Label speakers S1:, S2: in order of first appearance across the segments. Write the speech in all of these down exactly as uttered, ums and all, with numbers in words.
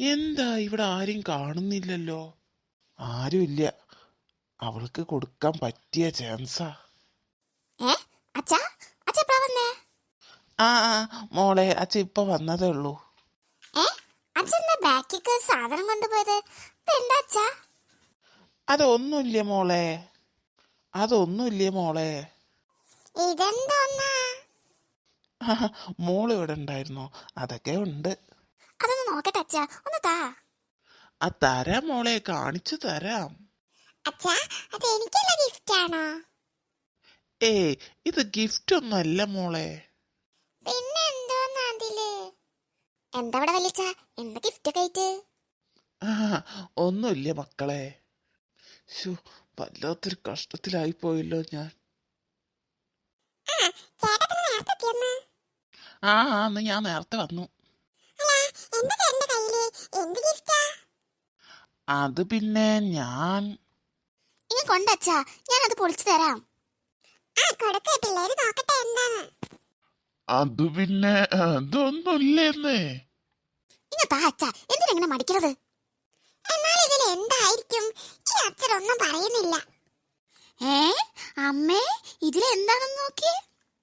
S1: എന്താ ഇവിടെ ആരും കാണുന്നില്ലല്ലോ? ആരുമില്ല. അവൾക്ക് കൊടുക്കാൻ പറ്റിയ ചാൻസാ.
S2: ഏ അച്ഛാ അച്ഛ എപ്പഴാ വന്നേ?
S1: ആ ആ മോളെ, അച്ഛൻ ഇപ്പൊ വന്നതേ ഉള്ളൂ.
S2: ഏ അച്ഛൻ്റെ ബാക്കിക്ക് സാധനം കൊണ്ടുപോയത് എന്താ അച്ഛാ?
S1: അതൊന്നുമില്ല മോളെ, അതൊന്നുമില്ല മോളെ.
S2: ഇതെന്തോന്നാ?
S1: മോള് ഇവിടെ ഉണ്ടായിരുന്നോ? അതൊക്കെ ഉണ്ട്.
S2: അതൊന്ന് നോക്കട്ടെ അച്ഛാ, ഒന്ന് താ.
S1: ആ തരാം മോളെ, കാണിച്ചു തരാം.
S2: അച്ഛാ അത് എനിക്കുള്ള ഗിഫ്റ്റ് ആണോ?
S1: ഏ ഇത് ഗിഫ്റ്റ് ഒന്നും അല്ല മോളെ.
S2: പിന്നെ എന്തോന്നാ അതില്? എന്താ ഇവിടെ വലിച്ച എന്താ ഗിഫ്റ്റ് ഒക്കെ ആയിട്ട്?
S1: ആ ഒന്നുമില്ല മക്കളെ. ശോ, വല്ലാത്തൊരു കഷ്ടത്തിലായി പോയല്ലോ ഞാൻ. ആ അന്ന് ഞാൻ നേരത്തെ വന്നു. അത് പിന്നെ ഞാൻ
S2: ഇനി കൊണ്ടച്ചാ ഞാനത് പൊളിച്ചു തരാം.
S1: അത് പിന്നെ അതൊന്നുമില്ലെന്നേ.
S2: ഇങ്ങ താ അച്ഛാ, എന്തിനെങ്ങനെ മടിക്കണത്? എന്തായിരിക്കും ഈ അച്ഛനൊന്നും പറയുന്നില്ല. ഏ അമ്മേ ഇതിലെന്താണെന്ന് നോക്കിയേ.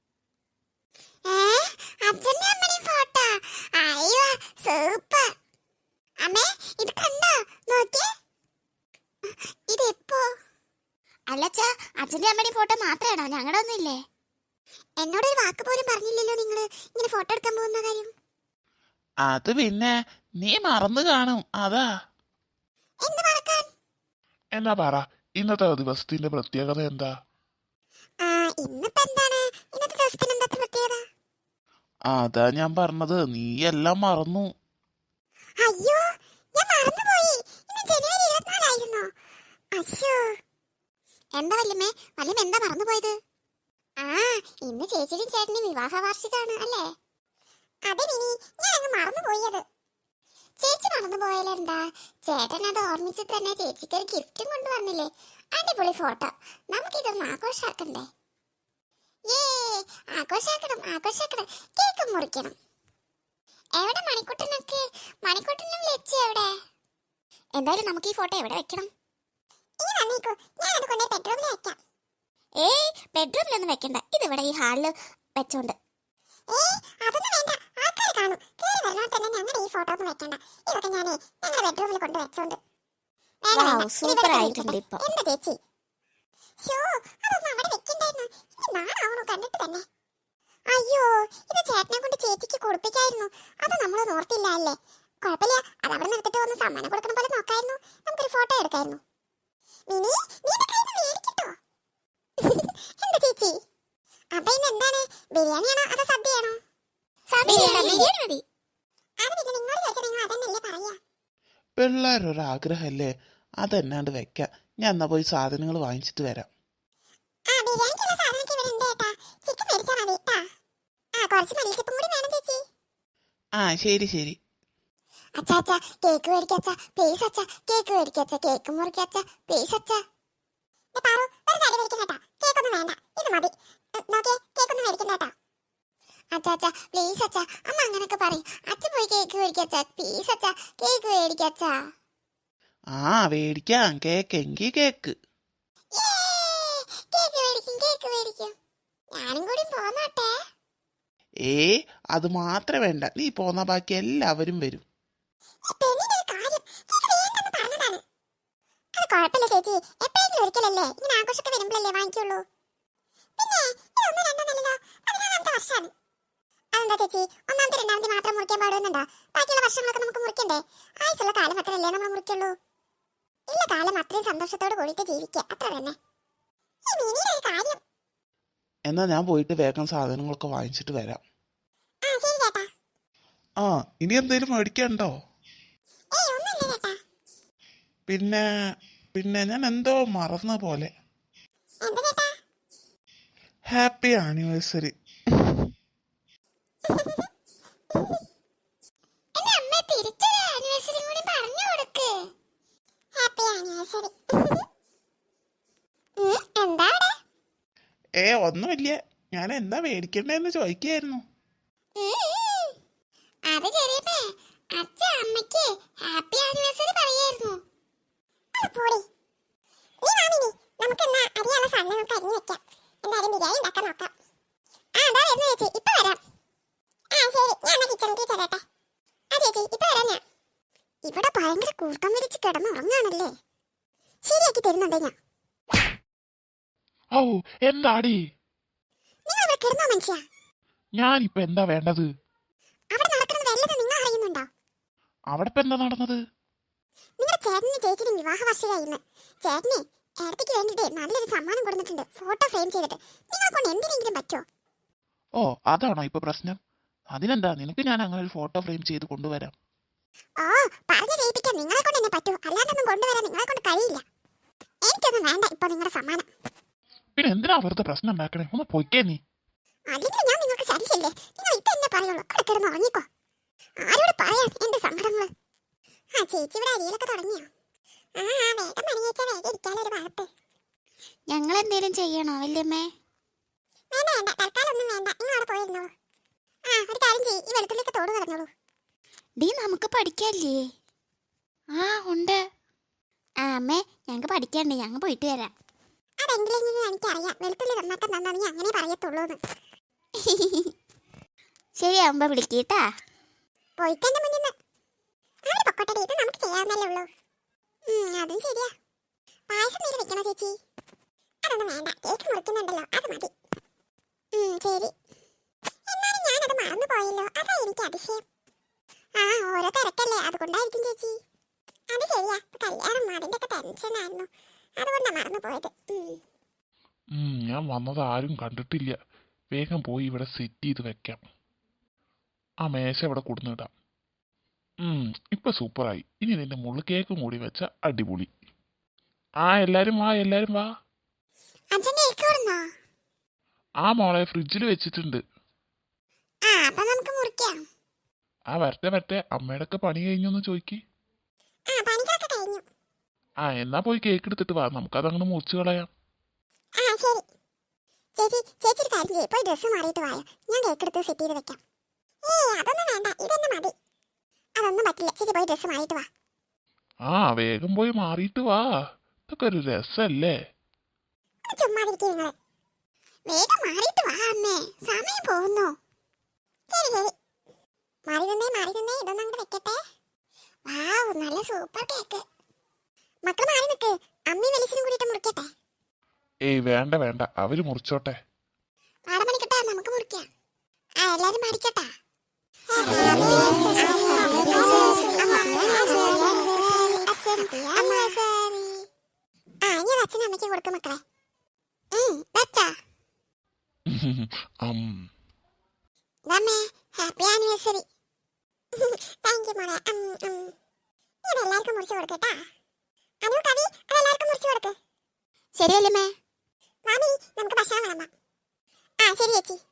S2: അച്ഛന്റെ അമ്മയും ഫോട്ടോ. അയ്യോ സൂപ്പർ. അമ്മേ ഇത് കണ്ടോ? നോക്കിയേ. ഇതെപ്പോ? അല്ലച്ചാ, അച്ഛന്റെ അമ്മയുടെയും ഫോട്ടോ മാത്രമാണോ? ഞങ്ങളുടെ ഒന്നും ഇല്ലേ? എന്നോടൊരു വാക്ക് പോലും പറഞ്ഞില്ലല്ലോ നിങ്ങള് ഇങ്ങനെ ഫോട്ടോ എടുക്കാൻ പോകുന്ന കാര്യം.
S1: അത് പിന്നെ നീ മറന്നു കാണും, അതാ.
S2: എന്ത് മറക്കാൻ?
S1: എന്നാ പറ, ഇന്നത്തെ ദിവസത്തിന്റെ പ്രത്യേകത എന്താ?
S2: ഇന്നിപ്പോ എന്താണ് ഇന്നത്തെ ദിവസത്തിന് എന്താ പ്രത്യേകത?
S1: അതാ ഞാൻ പറഞ്ഞത്, നീ എല്ലാം മറന്നു.
S2: അയ്യോ ഞാൻ മറന്നുപോയി. ഇന്ന് ജനുവരി ഇരുപത്തിനാലായിരുന്നോ? അശ്ശോ. എന്താ വല്യമ്മേ, വല്യമ്മ എന്താ മറന്നുപോയത്? ആ ഇന്ന് ചേച്ചിയുടെയും ചേട്ടന്റെയും വിവാഹ വാർഷികമാണ് അല്ലേ? അതെ മിനി, ഞാൻ അങ്ങ് മറന്നുപോയത്. ചേച്ചി മറന്നുപോയാലെന്താ, ചേട്ടൻ അത് ഓർമ്മിച്ച് തന്നെ ചേച്ചിക്ക് ഒരു ഗിഫ്റ്റും കൊണ്ടുവന്നില്ലേ. അടിപൊളി ഫോട്ടോ. നമുക്കിതൊന്ന് ആഘോഷാക്കണ്ടേ? ഏ ആഘോഷാക്കണം ആഘോഷാക്കണം. കേക്ക് മുറിക്കണം. എവിടെ മണിക്കുട്ടനൊക്കെ? മണിക്കുട്ടനും ലച്ചു എവിടെ? എന്തായാലും നമുക്ക് ഈ ഫോട്ടോ എവിടെ വെക്കണം? ഏയ് ബെഡ്റൂമിലൊന്നും വെക്കണ്ട, ഇതിവിടെ ഈ ഹാളില് വെച്ചോണ്ട്. സൂപ്പർ ആയിട്ടുണ്ട് ഇപ്പൊ. അയ്യോ ഇത് ചേട്ടനെ കൊണ്ട് ചേച്ചിക്ക് കൊടുപ്പിക്കായിരുന്നു. അത് നമ്മൾ ഓർത്തില്ല അല്ലേ? കുഴപ്പമില്ല, അത് അവിടെ നിർത്തിട്ട് ഒന്ന് സമ്മാനം കൊടുക്കണ പോലെ നോക്കായിരുന്നു. നമുക്കൊരു ഫോട്ടോ എടുക്കായിരുന്നു. മിനി നീ മേടിക്കട്ടോ? എന്താ ചേച്ചി? അപ്പൊ ഇന്ന് എന്താണ്, ബിരിയാണിയാണോ അതോ സദ്യയാണോ? ബിരിയാണി മതി. അത് പിന്നെ നിങ്ങളോട് ചോദിച്ചാൽ നിങ്ങൾ അതന്നെയല്ലേ പറയാ.
S1: പിള്ളേരൊരാഗ്രഹല്ലേ, അതെന്നാണ്ട് വെക്കാം. ഞാൻ എന്നാ പോയി സാധനങ്ങൾ വാങ്ങിച്ചിട്ട് വരാം.
S2: ആ ബിരിയാണിക്കുള്ള സാധനമൊക്കെ ഇവിടെ ഉണ്ട് കേട്ടാ. ചിക്കൻ മേടിച്ചാൽ മതി കേട്ടാ. ആ കുറച്ച് മല്ലിച്ചപ്പും കൂടി വേണം ചേച്ചി.
S1: ആ ശരി ശരി.
S2: അച്ഛാ അച്ഛാ കേക്ക് മേടിക്കച്ചാ പ്ലീസ്. അച്ഛാ കേക്ക് മേടിക്കച്ചാ, കേക്ക് മുറിക്കച്ചാ പ്ലീസ്. അച്ഛാ പാറു ഒരു കാര്യം മേടിക്കണ്ട കേട്ടാ. കേക്കൊന്നും വേണ്ട, ഇത് മതി. നോക്കിയേ, കേക്കൊന്നും മേടിക്കണ്ട കേട്ടാ. അച്ഛാ അച്ഛാ പ്ലീസ് അച്ഛാ, അമ്മ അങ്ങനൊക്കെ പറയും. അച്ഛൻ പോയി കേക്ക് മേടിക്കച്ചാ പ്ലീസ്. അച്ഛാ കേക്ക് മേടിക്കച്ചാ.
S1: ആ മേടിക്കാം, കേക്ക് എങ്കി കേക്ക്.
S2: കേക്ക് മേടിക്കും കേക്ക് മേടിക്കും. ഞാനും കൂടി പോന്നോട്ടെ.
S1: ഏ അത് മാത്രം വേണ്ട, നീ പോന്ന ബാക്കി എല്ലാവരും വരും.
S2: കുഴപ്പമില്ല ചേച്ചി, എപ്പോഴെങ്കിലും ഒരിക്കലല്ലേ ഇങ്ങനെ ആഘോഷമൊക്കെ വരുമ്പോഴല്ലേ വാങ്ങിക്കുള്ളൂ. പിന്നെ ഇതൊന്നും രണ്ടൊന്നല്ലോ, പതിനാലാമത്തെ വർഷമാണ്. അതെന്താ ചേച്ചി, ഒന്നാമത്തെ രണ്ടാമത്തെ മാത്രം മുറിക്കാൻ പാടുന്നുണ്ടോ? ബാക്കിയുള്ള വർഷങ്ങളൊക്കെ നമുക്ക് മുറിക്കണ്ടേ? ആയുസുള്ള കാലം അത്രയല്ലേ നമ്മൾ മുറിക്കുള്ളൂ. ഇല്ല കാലം അത്രയും സന്തോഷത്തോട് കൂടിയിട്ട് ജീവിക്കുക, അത്ര തന്നെ. ഈ മിനിയുടെ കാര്യം.
S1: എന്നാ ഞാൻ പോയിട്ട് വേഗം സാധനങ്ങളൊക്കെ വാങ്ങിച്ചിട്ട് വരാം.
S2: ആ ശരി ചേട്ടാ.
S1: ആ ഇനി എന്തേലും മേടിക്കണ്ടോ?
S2: ഏയ് ഒന്നുമില്ല ചേട്ടാ.
S1: പിന്നെ പിന്നെ ഞാൻ എന്തോ മറന്ന പോലെ.
S2: എന്താ ചേട്ടാ?
S1: Happy anniversary.
S2: എന്റെ അമ്മ തിരിച്ചൊരു ആനിവേഴ്സറി കൂടി പറഞ്ഞു കൊടുക്ക്. Happy anniversary. എന്താ അവിടെ?
S1: ഏ ഒന്നുമില്ല, ഞാൻ എന്താ മേടിക്കണ്ടേന്ന് ചോദിക്കായിരുന്നു.
S2: അത് ചെറിയപ്പേ അച്ഛൻ അമ്മയ്ക്ക് ഇവിടെ ഭയങ്കര കൂട്ടം വിരിച്ച് കിടന്നുറങ്ങാണല്ലേ. ശരിയാക്കി തരുന്നുണ്ടേ ഞാൻ.
S1: ഔ എന്താടി?
S2: നിങ്ങൾ ഇവിടെ കിടന്നോ മനുഷ്യ?
S1: ഞാനിപ്പോ എന്താ വേണ്ടത്?
S2: അവിടെ നടക്കുന്നത് വല്ലതും നിങ്ങൾ അറിയുന്നുണ്ടോ?
S1: അവിടെ ഇപ്പൊ എന്താ നടന്നത്?
S2: നിങ്ങളുടെ ചേട്ടനും ചേച്ചിയും വിവാഹ വാർഷികമായിരുന്നു. ചേട്ടനെ ഏടത്തേക്ക് വേണ്ടിട്ട് നല്ലൊരു സമ്മാനം കൊടുത്തിട്ടുണ്ട്, ഫോട്ടോ ഫ്രെയിം ചെയ്തിട്ട്. നിങ്ങളെ കൊണ്ട് എന്തിനെങ്കിലും പറ്റുമോ?
S1: ഓ അതാണോ ഇപ്പൊ പ്രശ്നം? അതിനെന്താ, നിനക്ക് ഞാൻ അങ്ങനെ ഒരു ഫോട്ടോ ഫ്രെയിം ചെയ്ത് കൊണ്ടുവരാം.
S2: ഓ പറഞ്ഞു ചെയ്യിപ്പിക്കാൻ നിങ്ങളെ കൊണ്ട് എന്നെ പറ്റൂ, അല്ലാണ്ടൊന്നും കൊണ്ടുവരാൻ നിങ്ങളെ കൊണ്ട് കഴിയില്ല. എനിക്കൊന്നും വേണ്ട ഇപ്പൊ നിങ്ങളുടെ സമ്മാനം.
S1: പിന്നെ എന്തിനാ വെറുതെ പ്രശ്നം ഉണ്ടാക്കണേ? ഒന്ന് പൊയ്ക്കേ നീ.
S2: അല്ലെങ്കിൽ ഞാൻ നിങ്ങൾക്ക് ശരിയല്ലേ? നിങ്ങൾ ഇപ്പൊ എന്നെ പറയുള്ളൂ, അവിടെ കിടന്ന് ഉറങ്ങിക്കോ. ആരോട് പറയാൻ എന്റെ സങ്കടങ്ങള്? ആ ചേച്ചി ഇവിടെ അരിയിലൊക്കെ തുടങ്ങിയോ? ആ വേഗം പണി വെച്ചാൽ വേഗം ഇരിക്കാനൊരു ഭാഗത്ത്.
S3: ഞങ്ങൾ എന്തേലും ചെയ്യണോ വല്യമ്മേ?
S2: വേണ്ട വേണ്ട, തൽക്കാലം ഒന്നും വേണ്ട, നിങ്ങൾ അവിടെ പോയിരുന്നോളൂ. ആ ഒരു കാര്യം ചെയ്യ്, ഈ വെളുത്തുള്ളിയൊക്കെ തോട് കിടന്നോളൂ.
S3: ഡീ നമുക്ക് പഠിക്കാല്ലേ? ആ ഉണ്ട്. ആ അമ്മേ ഞങ്ങൾക്ക് പഠിക്കാണ്ട്, ഞങ്ങൾ പോയിട്ട് വരാം.
S2: അതെന്തിലെങ്കിലും എനിക്കറിയാം, വെളുത്തുള്ളി നന്നാക്കാൻ തന്നാ അങ്ങനെ പറയത്തുള്ളൂ എന്ന്.
S3: ശരിയാവുമ്പോ വിളിക്കട്ടാ.
S2: പോയിട്ടെന്റെ മുന്നിൽ നിന്ന് അവര് പൊക്കോട്ടെ, ഇത് നമുക്ക് ചെയ്യാവുന്നല്ലേ ഉള്ളൂ. അതും ശരിയാ. പായസം നീര് വെക്കണോ ചേച്ചി? അതൊന്നും വേണ്ട, കേക്ക് മുറിക്കുന്നുണ്ടല്ലോ, അത് മതി. ശരി. എന്നാലും ഞാനത് മറന്നു പോയല്ലോ, അതാ എനിക്ക് അതിശയം. ആ ഓരോ തിരക്കല്ലേ, അതുകൊണ്ടായിരിക്കും ചേച്ചി. അത് ശരിയാ, കല്യാണം അതിന്റെ ഒക്കെ ടെൻഷനായിരുന്നു, അതുകൊണ്ടാ മറന്നു പോയത്.
S1: ഞാൻ വന്നത് ആരും കണ്ടിട്ടില്ല. വേഗം പോയി ഇവിടെ സെറ്റ് ചെയ്ത് വെക്കാം. ആ മേശ ഇവിടെ കൊടുന്നിടാം. ഇപ്പൊ സൂപ്പറായി. ഇനി നിന്റെ മുള്ളു കേക്കും കൂടി വെച്ച അടിപൊളി. ആ എല്ലാരും വാ, എല്ലാരും വാ. ആ മോളെ ഫ്രിഡ്ജിൽ വെച്ചിട്ടുണ്ട്. ആ വരട്ടെ വരട്ടെ, അമ്മയുടെ ഒക്കെ പണി കഴിഞ്ഞൊന്ന് ചോദിക്ക്. ആ എന്നാ പോയി കേക്ക് എടുത്തിട്ട് വാ, നമുക്കതങ്ങനെ മുറിച്ച് കളയാം.
S2: ചേച്ചി ചേച്ചി ഒരു കാര്യം ചെയ്യ്, പോയി ഡ്രസ്സ് മാറിയിട്ട് വായോ, ഞാൻ കേക്ക് എടുത്ത് സെറ്റ് ചെയ്ത് വെക്കാം. ഏയ് അതൊന്നും വേണ്ട, ഇതെന്നെ മതി. അതൊന്നും പറ്റില്ല, ചേച്ചി പോയി ഡ്രസ്സ് മാറിയിട്ട് വാ.
S1: ആ വേഗം പോയി മാറിയിട്ട് വാ, ഇതൊക്കെ ഒരു രസല്ലേ.
S2: ചുമ്മാതിരിക്കും നിങ്ങള്. വേഗം മാറിയിട്ട് വാ അമ്മേ, സമയം പോകുന്നു. ശരി ശരി, മാറി നിന്നേ മാറി നിന്നേ, ഇതൊന്നും അങ്ങോട്ട് വെക്കട്ടെ. വാവ് നല്ല സൂപ്പർ കേക്ക്. മക്കൾ മാറി നിൽക്ക്, അമ്മയും വെലിസിനും കൂടിയിട്ട് മുറിക്കട്ടെ.
S1: ഏയ് വേണ്ട വേണ്ട, അവര് മുറിച്ചോട്ടെ.
S2: പാടം പണിക്കട്ടെ, നമുക്ക് മുറിക്കാം. ആ എല്ലാരും പഠിക്കട്ടെ. ആ ഇനി അച്ഛനും അമ്മയ്ക്കും കൊടുക്കും മക്കളെ. Happy anniversary. താങ്ക് യു മോളെ. ഇതെല്ലാവർക്കും മുറിച്ച് കൊടുക്കട്ടാ. അനു കവി അതെല്ലാവർക്കും മുറിച്ച് കൊടുക്ക്.
S3: ശരി വല്യമ്മേ.
S2: മാമി നമുക്ക് ഭക്ഷണം വിളമ്പാം. ആ ശരി ചേച്ചി.